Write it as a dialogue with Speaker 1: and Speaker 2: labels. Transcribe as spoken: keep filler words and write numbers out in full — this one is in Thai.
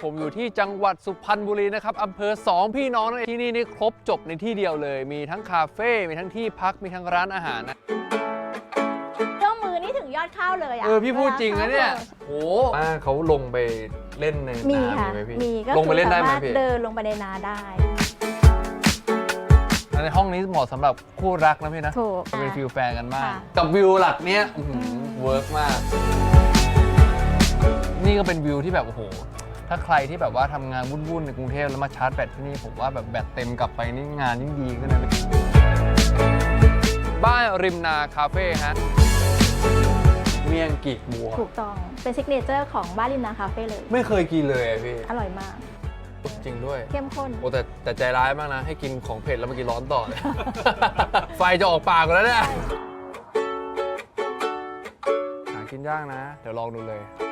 Speaker 1: ผมอยู่ที่จังหวัดสุพรรณบุรีนะครับอำเภอสองพี่น้องนั่นเองที่นี่นี่ครบจบในที่เดียวเลยมีทั้งคาเฟ่มีทั้งที่พักมีทั้งร้านอาหารนะ
Speaker 2: เจ้ามือนี่ถึงยอดข้าวเลยอ่ะ
Speaker 1: เออพี่พูดจริงนะเนี่ยโอ้ป้าเขาลงไปเล่นใน
Speaker 2: มี
Speaker 1: นา
Speaker 2: ค่ะ
Speaker 1: ไหมพี่
Speaker 2: มีก็
Speaker 1: ลงไปเล่นได้ไหม
Speaker 2: สามารถ
Speaker 1: พี่
Speaker 2: เดินลงไปในนาได้
Speaker 1: ในห้องนี้เหมาะสำหรับคู่รักนะพี่นะ
Speaker 2: ถูก
Speaker 1: เป็นฟิลแฟนกันมาก
Speaker 2: ค่ะ
Speaker 1: กับวิวหลักเนี้ยเวิร์กมาก นี่ก็เป็นวิวที่แบบโอ้โหถ้าใครที่แบบว่าทำงานวุ่นๆในกรุงเทพแล้วมาชาร์จแบตที่นี่ผมว่าแบบแบตเต็มกลับไปนี่งานยิ่งดีขึ้นนะบ้านริมนาคาเฟ่ฮะเมี่ยงกีกบัว
Speaker 2: ถูกต้องเป็นซิกเนเจอร์ของบ้านริมนาคาเฟ่เลย
Speaker 1: ไม่เคยกินเลยอะพี่
Speaker 2: อร่อยมาก
Speaker 1: จริงด้วย
Speaker 2: เข้มข้น
Speaker 1: โอ้แต่แต่ใจร้ายมากนะ ให้กินของเผ็ดแล้วมากินร้อนต่อเลย ไฟจะออกปากแล้วเนี่ยหากินยากนะ เดี๋ยวลองดูเลย